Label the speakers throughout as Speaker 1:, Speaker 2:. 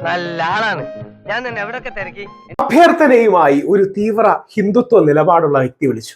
Speaker 1: നല്ല ആളാണ്. ഞാൻ തന്നെ എവിടൊക്കെ തിരക്കി.
Speaker 2: അഭ്യർത്ഥനയുമായി ഒരു തീവ്ര ഹിന്ദുത്വ നിലപാടുള്ള വ്യക്തി വിളിച്ചു.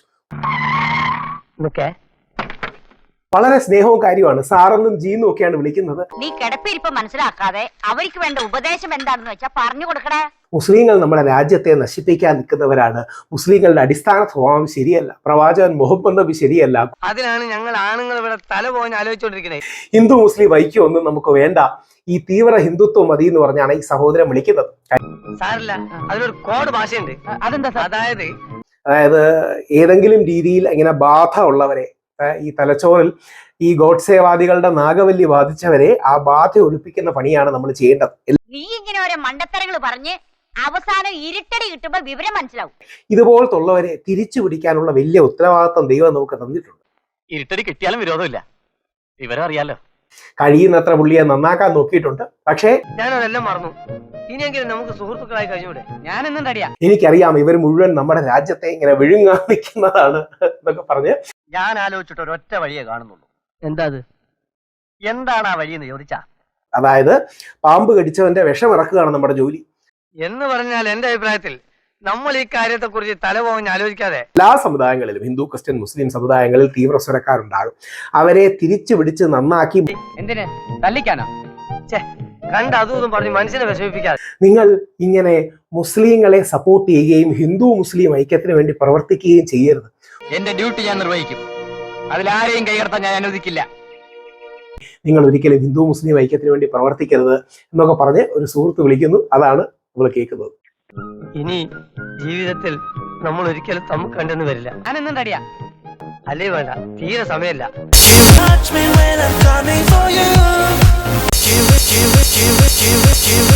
Speaker 2: വളരെ സ്നേഹവും കാര്യമാണ്. സാറെന്നും ജീന്നും ഒക്കെയാണ് വിളിക്കുന്നത്.
Speaker 3: നീ കിടപ്പിരിപ്പ് മനസ്സിലാക്കാതെ അവർക്ക് വേണ്ട ഉപദേശം എന്താണെന്ന് വെച്ചാൽ പറഞ്ഞു കൊടുക്കണേ.
Speaker 2: മുസ്ലിങ്ങൾ നമ്മുടെ രാജ്യത്തെ നശിപ്പിക്കാൻ നിൽക്കുന്നവരാണ്. മുസ്ലിങ്ങളുടെ അടിസ്ഥാന സ്വഭാവം ശരിയല്ല. പ്രവാചകൻ മുഹമ്മദ് നബി ശരിയല്ല.
Speaker 1: അതിനാണ് ഞങ്ങൾ ആണുങ്ങൾ ഇവിടെ തല പോകാൻ ആലോചിച്ചുകൊണ്ടിരിക്കുന്നത്.
Speaker 2: ഹിന്ദു മുസ്ലിം ഐക്യമൊന്നും നമുക്ക് വേണ്ട, ഈ തീവ്ര ഹിന്ദുത്വം മതി എന്ന് പറഞ്ഞാണ് ഈ സഹോദരൻ വിളിക്കുന്നത്.
Speaker 1: സാറില്ല, അതിനൊരു കോഡ് ഭാഷയുണ്ട്. അതെന്താ?
Speaker 2: അതായത് ഏതെങ്കിലും രീതിയിൽ ഇങ്ങനെ ബാധ ഉള്ളവരെ, ഈ തലച്ചോറിൽ ഈ ഗോഡ്സേവാദികളുടെ നാഗവല്ലി ബാധിച്ചവരെ ആ ബാധ ഒഴിപ്പിക്കുന്ന പണിയാണ് നമ്മൾ ചെയ്യേണ്ടത്.
Speaker 3: നീ ഇങ്ങനെ ഓരോ മണ്ടത്തരങ്ങൾ പറഞ്ഞ് അവസാനം ഇരുട്ടടി കിട്ടുമ്പോൾ വിവരം മനസ്സിലാവും.
Speaker 2: ഇതുപോലത്തുള്ളവരെ തിരിച്ചു പിടിക്കാനുള്ള വലിയ ഉത്തരവാദിത്വം ദൈവം നമുക്ക് തന്നിട്ടുണ്ട്.
Speaker 1: ഇരുട്ടടി കിട്ടിയാലും വിരോധമില്ല, വിവരം അറിയാലോ.
Speaker 2: കഴിയുന്നത്ര പുള്ളിയെ നന്നാക്കാൻ നോക്കിയിട്ടുണ്ട്. പക്ഷേ
Speaker 1: ഞാനതെല്ലാം മറന്നു. ഇനിയെങ്കിലും നമുക്ക് സുഹൃത്തുക്കളായി കഴിഞ്ഞൂടെ? ഞാനെന്നും റെഡിയാ.
Speaker 2: എനിക്കറിയാം ഇവർ മുഴുവൻ നമ്മുടെ രാജ്യത്തെ ഇങ്ങനെ വിഴുങ്ങാൻ നിൽക്കുന്നതാണ് എന്നൊക്കെ പറഞ്ഞ്
Speaker 1: ഞാൻ ആലോചിച്ചിട്ട് ഒരൊറ്റ വഴിയെ കാണുന്നുള്ളൂ. എന്താ അത്? എന്താണ് ആ വഴിയെന്ന് ചോദിച്ചാ,
Speaker 2: അതായത് പാമ്പ് കടിച്ചവന്റെ വിഷം ഇറക്കുകയാണ് നമ്മുടെ ജോലി
Speaker 1: എന്ന് പറഞ്ഞാൽ എന്റെ അഭിപ്രായത്തിൽ നമ്മൾ ഈ കാര്യത്തെ കുറിച്ച് തലപോകഞ്ഞ് ആലോചിക്കാതെ
Speaker 2: എല്ലാ സമുദായങ്ങളിലും, ഹിന്ദു ക്രിസ്ത്യൻ മുസ്ലിം സമുദായങ്ങളിൽ തീവ്ര സ്വരക്കാരുണ്ടാകും. അവരെ തിരിച്ചു പിടിച്ച് നന്നാക്കി
Speaker 1: എന്തിന് തല്ലിക്കാനോ? കണ്ട് അതും പറഞ്ഞ് മനുഷ്യനെ വിഷമിപ്പിക്കാതെ
Speaker 2: നിങ്ങൾ ഇങ്ങനെ മുസ്ലിങ്ങളെ സപ്പോർട്ട് ചെയ്യുകയും ഹിന്ദു മുസ്ലിം ഐക്യത്തിന് വേണ്ടി പ്രവർത്തിക്കുകയും ചെയ്യരുത്.
Speaker 1: എന്റെ ഡ്യൂട്ടി ഞാൻ നിർവഹിക്കും. അതിലാരെയും കൈകടത്താൻ ഞാൻ അനുവദിക്കില്ല.
Speaker 2: നിങ്ങൾ ഒരിക്കലും ഹിന്ദു മുസ്ലിം ഐക്യത്തിന് വേണ്ടി പ്രവർത്തിക്കരുത് എന്നൊക്കെ പറഞ്ഞ് ഒരു സുഹൃത്ത് വിളിക്കുന്നു. അതാണ് നമ്മൾ കേൾക്കുന്നത്.
Speaker 1: ഇനി ജീവിതത്തിൽ നമ്മൾ ഒരിക്കലും തമ്മിൽ കണ്ടെന്ന് വരില്ല. ഞാനെന്നും റെഡിയാ. അല്ലേ വേണ്ട, തീരെ സമയമില്ല.
Speaker 4: Touch me when I'm coming for you.